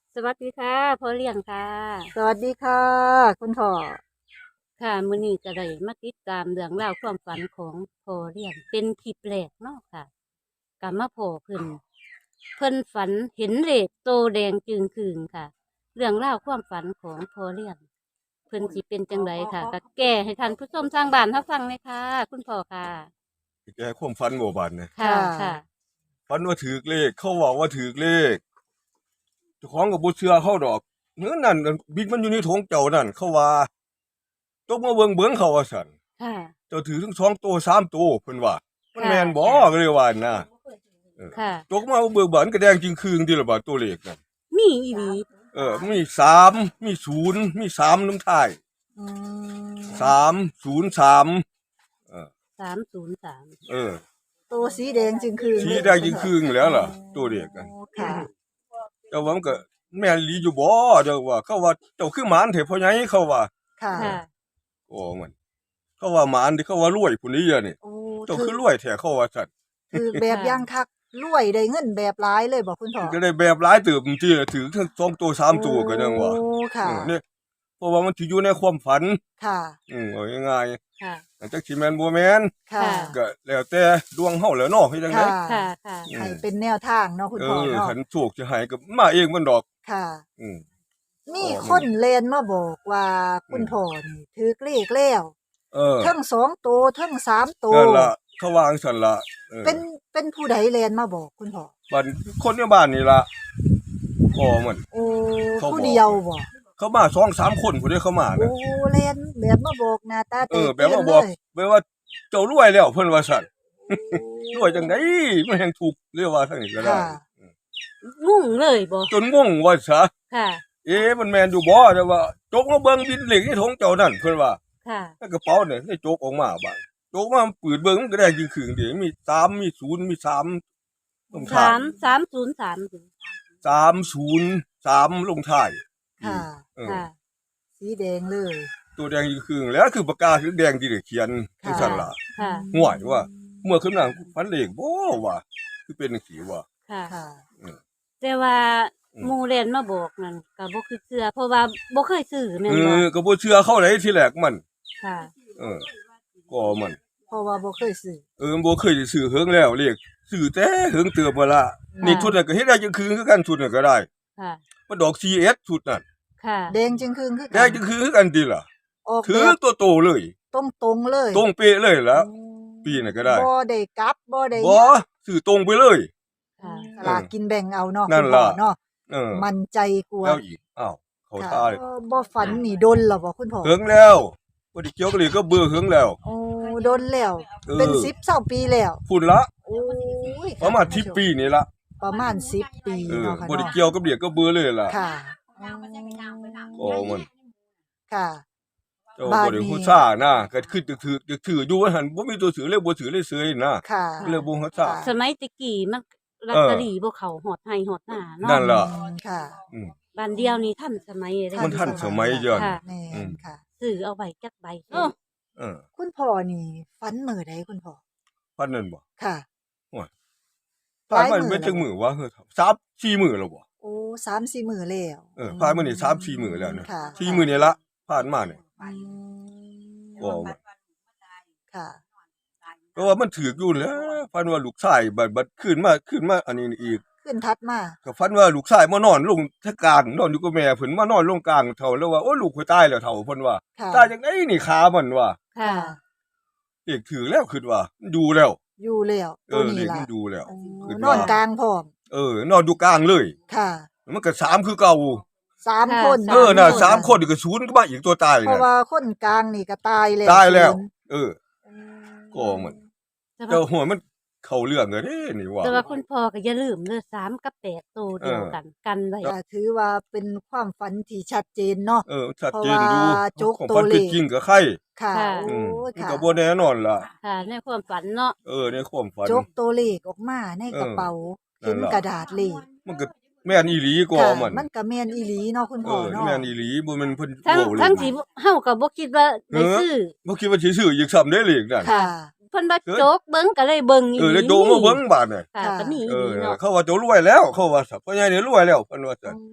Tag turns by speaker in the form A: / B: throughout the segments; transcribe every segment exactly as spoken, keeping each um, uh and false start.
A: สวัสดีค่ะพ่อเลี้ยงค่ะ
B: สวัสดีค่ะคุณพ่อ
A: ค่ะมื้อนี้ก็ได้มาติดตามเรื่องราวความฝันของพ่อเลี้ยงเป็นคลิปแรกเนาะค่ะก็มาพ้อเพิ่นเพิ่นฝันเห็นเลขโตแดงจึงครึงค่ะ เรื่องราวความฝันของพ่อเลี้ยงเพิ่นสิเป็นจังไดค่ะก็แก้ให้ท่านผู้ชมทางบ้านรับฟังเลยค่ะคุณพ่อค่ะ
C: แกความฝันบ่บาดเนี่ย
A: ค่ะค่ะ
C: ฝันว่าถือเลขเขาบอกว่าถือเลขเจ้าของก็บ่เชื่อเขาดอกเนื้อนั่นบิดมันอยู่ในถุงเจ้านั่นเขาว่าตกมาเบิ่งเบิ่งเขาว่าซั่น
A: ค่ะ
C: เจ้าถือทั้งสองตัวสามตัวเพิ่นว่ามันแม่นบ่ก็เลยว่านะเออ
A: ค่ะ
C: ตกมาเบิ่งบันก็แดงจริงคืงที่ละบาดตัวเลขนั่น
A: มีอีหลี
C: เออมีสามมีศูนย์มีสามนำท้าย
B: อืม
C: สามศูนย์สามเออ
A: สามศูนย์สาม
C: เออ
B: ตัวสีแดงจึงคือ
C: สีแดงจริงคืงแล้วล่ะตัวเลขนั่น
B: ค่ะ
C: เจ้าว่ามันก็แม่นอีหลีอยู่บ่เจ้าว่าเขาว่าเจ้าคือหมานเถอะพ่อใหญ่เขาว่า
B: ค่ะ
A: ค่ะ
C: โอ้มันเขาว่าหมานที่เขาว่ารวยผู้นี้อะนี่
B: โอ้
C: เจ้า
B: ถือ
C: คือรวยแท้เขาว่าซั่น
B: ถือแบบ
A: ค่ะ
B: อย่างคักรวยได้เงินแบบหลายเลยบ่คุณพ่อ
C: ก็ได้แบบหลายเติบจริงๆถือทั้งสองตัวสามตัวก็ยังว่า
B: โอ้ค่ะ
C: เออเนี่ยเพราะว่ามันสิอยู่ในความฝัน
B: ค่ะ
C: อืมเอาง่าย
A: ค่ะ
C: ๆจักสิแม่นบ่แม่น
B: ค่ะ
A: ค่ะ
C: ก็แล้วแต่ดวงเฮาแหล้วเนาะเฮ็ดจังได๋
B: ค่ะ
A: ค่ะค่ะ
C: อื
B: ให้
C: ม
B: เป็นแนวทางเนาะคุณ
C: เอ
B: พ่อ
C: อ
B: เนาะ
C: คันโชคสิให้ก็มาเองมันดอก
B: ค่ะ
C: อืม
B: มี
C: อ๋อมัน
B: คนแล่นมาบอกว่า
C: อืม
B: คุณพ่อนี่ถือเลขแล้ว
C: เออ
B: เทั้งสองตัวเทั้งสามตัว
C: นั่นล่ะเขาว่าจังซั่นล่ะเออ
B: เป็นเป็นผู้ใดแล่นมาบอกคุณพ่อ
C: บ้านคนในบ้านนี่ล่ะก็มัน
B: โอ้
C: เขา
B: ผู้
C: บอก
B: เดียวบ่
C: เขามาสองสามคนพุ่นเด้เขามา
B: โอ้
C: น่ะ
B: เล่นแบบมาบอกหน้าตา
C: เอ
B: แต
C: อ
B: ก
C: แบบ
B: ตื่นเล
C: ว่าบอก
B: ย
C: แบบว่าเจ้ารวยแล้วเพิ่นว่าซั่นรวยจัง
B: โอ้
C: ได๋มันแฮงถูกเรียกว่าทางนี้ก็ได้
B: ค่ะ
A: งุ่งเลยบ่
C: จนงงว่าซะ
A: ค่ะ
C: เอ๊ะมันแม่นอยู่บ่แต่ว่าจกมาเบิ่งบินเหล็กในถุงเจ้านั่นเพิ่นว่า
A: ค่ะ
C: ในกระเป๋าเนี่ยได้จกออกมาบาดจกมาปืดเบิ่งมันก็ได้จริงคือเด้มีสามมีศูนย์มีสามลงท้าย
A: สามสามศูนย์สาม
C: สามศูนย์สามลงท้ายอื
B: ค่ะ
C: มเออ
A: ค่ะ
B: สีแดงเลย
C: ตัวแดงจริงคือแล้วคือปากกาคือแดงที่ได้เขียนจัง
B: ค่ะ
C: ซั่นล่ะ
A: ค่ะ
C: ห่วยว่าเมื่อคืนนั้นฝันเลขบ่ว่าคือเป็นจังซี่ว่า
A: ค่ะ
B: ค่ะ
C: อืม
A: แต่ว่า
C: อืม
A: หมู่เล่นมาบอกนั่นก็บ่คือเชื่อเพราะว่าบ่เคยซื้อแม่
C: เอน
A: บ่
C: อก็บ่เชื่อเขาเลยทีแรกมัน
A: ค่ะ
C: เออก็มัน
B: เพราะว่าบ่เคยซื้อ
C: เออบ่เคยได้ซื้อเฮิงแล้วเลขซื้อแต่เฮิงเติบบ่ล่ะ
A: ค่ะ
C: นี่ชุดนั้นก็เฮ็ดได้จังคืนคือกันชุดนั้นก็ได้
A: ค่ะ
C: มันดอก ซี เอส ชุดนั้น
A: ค่ะ
B: แดงจึงครึ่งคือ
C: ได้
B: กัน
C: จังคืนคือกันติล่ะ
B: ออก
C: ถื
B: แบ
C: อบ ตัวโตเลย
B: ตรงๆเลย
C: ตรงเป๊ะเลยล่ะ
B: โอ้
C: ปีนั้นก็ได้
B: บ่ได้กลับบ่ได้
C: บ่ซื้อตรงไปเลย
A: ค่ะ
B: สลากกินแบ่งเอาเนาะ
C: นั่น
B: คุณพ่อ
C: ล่ะ
B: เนาะ
C: เออ
B: มั่นใจกว่า
C: แล้วอีกอ้าวเขา
B: ค่ะ
C: ท่าเลย
B: เออบ่ฝันนี่ดนแล้วบ่คุณพ่อ
C: เฮิงแล้วบ่ได้เกี่ยวกับเลขก็เบื่อเฮิงแล้ว
B: โอ้ดนแล้ว
C: เออ
B: เป็นสิบ เก้าปีแล้ว
C: พุ่นละ
B: โอ้ย
C: ประมาณสิบปีนี่ล่ะ
B: ประมาณสิบปี
C: เออ
B: เนาะค่ะ
C: บ่ได้
B: เนาะ
C: เกี่ยวกับเลขก็เบื่อเลยล่ะ
B: ค่ะอ๋อ
C: ก็มัน
B: ค่ะ
C: เจ้า
B: บาด
C: บ่ได้
B: นี้
C: ฮู้ซ่านะก็คือจะถือจะถืออยู่ว่าหั่นบ่มีตัวถือเลยบ่ถือเลยเสยนะ
B: ค่ะ
C: เลยบ่ฮู้ซ่า
B: ค่ะ
A: สมัยตะกี้มันลอต
C: เออ
A: เตอรี่บ่เข้าฮอดไห้ฮอดหน้าเนาะ
C: นั่นล่ะ
B: อืมค่ะ
C: อืม
A: บ้านเดียวนี่ทันสมัยเด้
C: มันทันสมัยย้อน
A: ค่ะ
B: แม่
C: อื
B: น
C: ม
B: ค่ะ
A: ซื้อเอาไว้จักใบเออ
C: เออ
B: คุณพ่อนี่ฝันมื้อใดคุณพ่อ
C: พันนั่นบ่
B: ค่ะ
C: ผ่านมา
B: หลายมื้อ
C: เม็ด
B: แล้ว
C: จังมื้อวะเฮ้อสาม สี่มื้อแล้วบ่
B: โอ้ สามสี่ มื้อแล้ว
C: เออผ่านมานี่สาม สี่มื้อแล้วเนี่ย
B: ค่ะ
C: สี่มื้อนี่ละผ่านมาเนี่ย
B: อืม
C: ก็ว่า
B: ค่ะ
C: ก็ว่ามันถูกอยู่แหล้วพันว่าลูกชายบัดบัดขึ้นมาขึ้นมาอันนี้อีก
B: ขึ้นทัดมา
C: ก็ฝันว่าลูกชายมานอนลงทะกลางนอนอยู่กับแม่เพิ่นมานอนลงกลางเฒ่าแล้วว่าโอ้ลูกข่อยตายแล้วเฒ่าเพิ่นว่า
B: ค่ะ
C: ตายจังได๋นี่ขามันว่า
A: ค่ะ
C: เอกถือแล้วคิดว่ามันอยู่แล้ว
B: อยู่แล้ว
C: เอ
B: ตัว
C: อ
B: นี้
C: เด็ก
B: ล่ะ
C: มันอยู่แล้ว
B: โอ้
C: ขึ้น
B: นอน
C: ว่า
B: กลางพร้อม
C: เออนอนอยู่กลางเลย
B: ค่ะ
C: มันก็สามคือเก่า
B: สาม
A: ค่ะ
B: คน
A: สาม
C: เออน่ะ
A: คน
C: สามคนนี่ก็ศูนย์ก็มาอีกตัวตาย
B: เพราะ
C: น่ะ
B: ว่าคนกลางนี่ก็ตายแล้ว
C: ตายแล้ว
B: ศูน
C: เออ
B: อืม
C: ก็มัน
A: แต่
C: เจ้า
A: ว่า
C: หัวมันเข้าเรื่องอะเด้นี่ว่า
A: แต่ว่าคุณพ่อก็อย่าลืมเด้อสามกับแปดโตวเดียวกัน กันไว้
B: ก็ถือว่าเป็นความฝันที่ชัดเจนเนาะ
C: เออชัดเจนอยู่
B: เพราะว่าโจ๊ก
C: ของ
B: ตัว
C: พัน
B: เล
C: เป็น
B: ข
C: จริงกับใคร
B: ค่ะ
A: ค่ะ
B: โอ้
C: อืม
B: ย
C: มัน
B: ค่ะ
C: ก็บ่แน่นอนล่ะ
A: ค่ะ ในความฝันเนาะ
C: เออในความฝัน
B: จกตัวเลขออกมาในกระเป๋า
C: เออนั่
B: เห็
C: น
B: น
C: ล่ะ
B: กระดาษเลข
C: มันก็แม่นอีหลีก็
B: ค่ะ
C: มัน
B: มันก็แม่นอีหลีเนาะคุณ
C: เอ
B: พ่อ
C: อ
B: เนาะ
C: แม่นอีหลีบ่แม่นเพิ่น
A: ทั้ง
C: โว้เลย
A: ทั้งที่เฮาก็บ่คิดว่าได้ซื้อ
C: บ่คิดว่าสิซื้ออีกซ้ำได้เลขนั่น
B: ค่ะ
A: เพิ่นว่าโจ๊กเบิ่งก็เลยเบิ่งอี
C: เออ
A: หลี
C: ได้โดมาเบิ่งบาดน่ะ
A: ค่ะ
B: ค่ะ
A: ก็มีอี
C: เอ
A: ห
C: อ
A: ลีเนาะ
C: เขาว่าเจ้ารวยแล้วเขาว่าสักพ่อใหญ่นี่รวยแล้วเพิ่นว่าซั่น
B: โอ้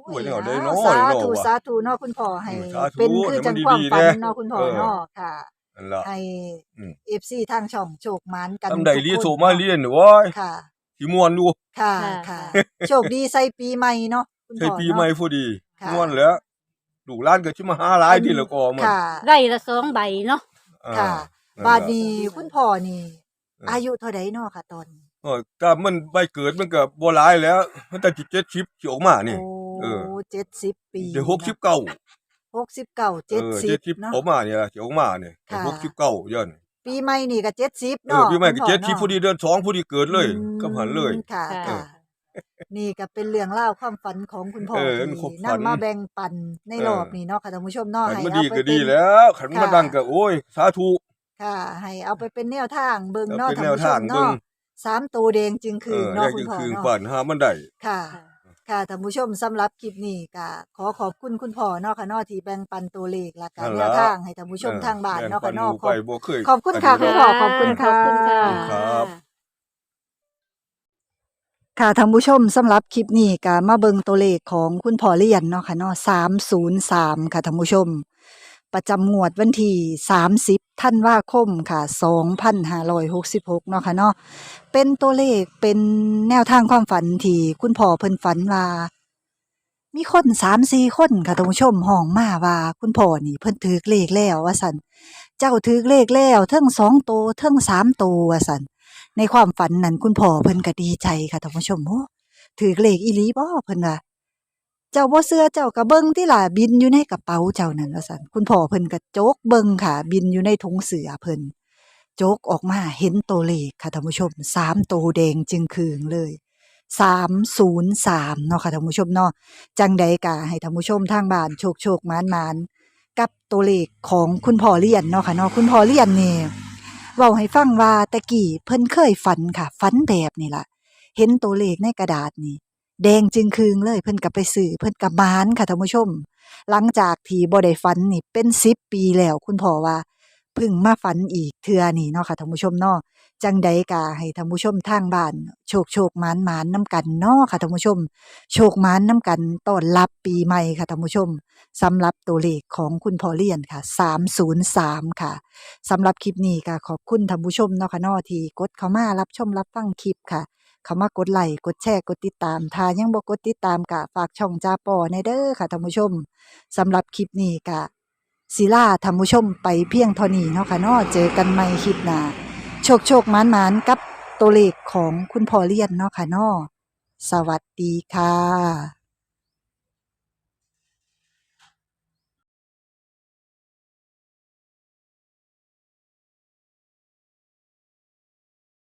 C: โอ้ยแนวใดเนาะ
B: สา
C: เนาะ
B: ธุ
C: ว่ะ
B: สาธุเนาะคุณพ่อให้
C: เออสาธุ
B: เป็นคือจัง
C: ให้
B: ควา
C: มัน
B: ม
C: ดีๆ
B: ฝัน
C: แน่
B: เนาะคุณพ่อ
C: เออ
B: เนาะค่ะ
C: นั่นล่ะ
B: ให้
C: อืม
B: เอฟ ซี ทางช่องโชคหมานกัน
C: ทำได้
B: ทุก
C: รี
B: คน
C: โทรมา
B: เนาะ
C: เรียนโอ้ย
B: ค่ะ
C: สิม่วนอยู่
B: ค่ะ
A: ค่ะ
B: ค่ะ
A: ค่ะ
B: โชคดีใส่ปีใหม่เนาะคุณ
C: ใช่
B: พ่อ
C: ปี
B: เนาะ
C: ใหม่พอดี
B: ค่ะ
C: ม่วนแหล้วลูกหลานก็สิมาหาหลายทีละก็มัน
B: ค่ะ
A: ไร่ละสองใบเนาะ
C: อ่า
B: ค่ะ
C: นั่น
B: บาด
C: ล่ะ
B: นี้คุณพ่อนี่
C: เอออ
B: อายุเท่าใดเนาะค่ะตอนนี้
C: เออก็มันใบเกิดมันก็บ่หลายแล้ว มันแต่สิเจ็ดสิบสิออกมานี่
B: โอ้
C: เออ
B: เจ็ดสิบปี
C: เดี๋ยวหกสิบเก้า
B: หกสิบเก้า
C: เออ
B: เจ็ดสิบ
C: 70
B: เนาะ
C: ออกมาเนี่ยสิออกมาเนี่ย
B: ค่ะ
C: หกสิบเก้าย้อน
B: ปีใหม่นี่ก็เจ็ดสิบ
C: เออ
B: เนาะ
C: ปีใหม่ก็
B: คุณพ่อ
C: เจ็ดสิบ
B: นาะ
C: พอดีเดือนสองพอดีเกิดเลย
B: อืม
C: กับหันเลย
B: ค่ะ
A: ค่ะ
B: ค่ะ นี่ก็เป็นเรื่องเล่าวความฝันของคุณพ่อ
C: เออ
B: ที่
C: ความฝัน
B: นำมาแบ่งปันใน
C: เออ
B: รอบนี้เนาะค่ะท่านผู้ชมเนาะ
C: คัน
B: ให้
C: มัน
B: เอา
C: ดี
B: ไป
C: ก็
B: เป็
C: ดี
B: น
C: แล้วคันมัน
B: ค่ะ
C: ดังก็โอ้ยสาธุ
B: ค่ะ ให้เอาไปเป็นแนวทางเบิ่ง
C: เอา
B: เนาะ
C: เป็น
B: ท่าน
C: แนว
B: ผู้ช
C: ทาง
B: ม
C: เบิ่ง
B: เนาะสามตัวแดงจึง
C: เอ
B: คือ
C: อ
B: เนาะ
C: ได้
B: คุ
C: จึ
B: ณ
C: ง
B: พ่อ
C: คืน
B: เนาะ
C: ปั่นหามันได้
B: ค่ะ ค่ะท่านผู้ชมสำหรับคลิปนี้ก็ขอขอบคุณคุณพ่อเนาะค่ะเนาะที่แบ่งปันตัวเลขและการ
C: นั่น
B: แน
C: ล่ะ
B: วทางให้ท่านผู้ชมทางบ้านเนาะค่ะเนาะ
C: แบ่งปัหมู่ไปบ่เคย
B: ขอบคุณค่ะ
C: อัน
B: คุ
C: นี้
B: ณ
C: ด
B: พ่
C: อ
B: อก ขอบคุณค่ะ
A: ขอบคุณค่ะ
C: ครับ
B: ค่ะท่านผู้ชมสำหรับคลิปนี้ก็มาเบิ่งตัวเลขของคุณพ่อเลียนเนาะค่ะเนาะสามศูนย์สามค่ะท่านผู้ชม ประจำงวดวันที่สามสิบธันวาคมค่ะสองพันห้าร้อยหกสิบหกเนาะค่ะเนาะเป็นตัวเลขเป็นแนวทางความฝันที่คุณพ่อเพิ่นฝันว่า มีคนสามสี่คนค่ะท่านผู้ชมห้องมาว่า คุณพ่อนี่เพิ่นถือเลขแล้วว่าซั่นเจ้าถือเลขแล้วเทิงสองโตวเทิงสามโตวว่าซั่นในความฝันนั้นคุณพ่อเพิ่นก็ดีใจค่ะท่านผู้ชมโอ้ถือเลขอีหลีบ่เพิ่นว่าเจ้าบ่เชื่อเจ้าก็เบิ่งติล่ะบินอยู่ในกระเป๋าเจ้านั่นว่าซั่นคุณพ่อเพิ่นก็โจกเบิ่งค่ะ บินอยู่ในถุงเสื้อเพิ่นโจกออกมาเห็นตัวเลขค่ะท่านผู้ชมสามโตวแดงจึงคืองเลยสามศูนย์สามเนาะค่ะท่านผู้ชมเนาะ จังใดกะให้ท่านผู้ชมทางบ้านโชคโชคมานมานกับตัวเลขของคุณพ่อเลียนเนาะค่ะเนาะคุณพ่อเลียนนี่เว้าให้ฟังว่าตะกี้เพิ่นเคยฝันค่ะฝันแบบนี่ล่ะเห็นตัวเลขในกระดาษนี่แดงจึงคืงเลยเพิ่นก็ไปซื้อเพิ่นก็มานค่ะท่านผู้ชม หลังจากที่บ่ได้ฝันนี่เป็นสิบปีแล้วคุณพ่อว่าเพิ่งมาฝันอีกเทื่อนี่เนาะค่ะท่านผู้ชมเนาะจังใดกะให้ท่านผู้ชมทางบ้านโชคโชคมานมานนํกันเนาะค่ะท่านผู้ชม โชคมานน้ำกันต้อนรับปีใหม่ค่ะท่านผู้ชมสำหรับตัวเลขของคุณพ่อเลียนค่ะสามศูนย์สามค่ะสำหรับคลิปนี้ก็ขอบคุณท่านผู้ชมเนาะค่ะเนาะที่กดเข้ามารับชมรับฟังคลิปค่ะเข้ามากดไลค์กดแชร์กดติดตามถ้ายังบ่กดติดตามก็ฝากช่องจาปอในเด้อค่ะท่านผู้ชมสำหรับคลิปนี้ก็ศิลาท่านผู้ชมไปเพียงเท่านี้เนาะค่ะเนาะเจอกันใหม่คลิปหน้าโชคโชคมานมานกับตัวเลขของคุณพ่อเลียนเนาะค่ะเนาะ สวัสดีค่ะ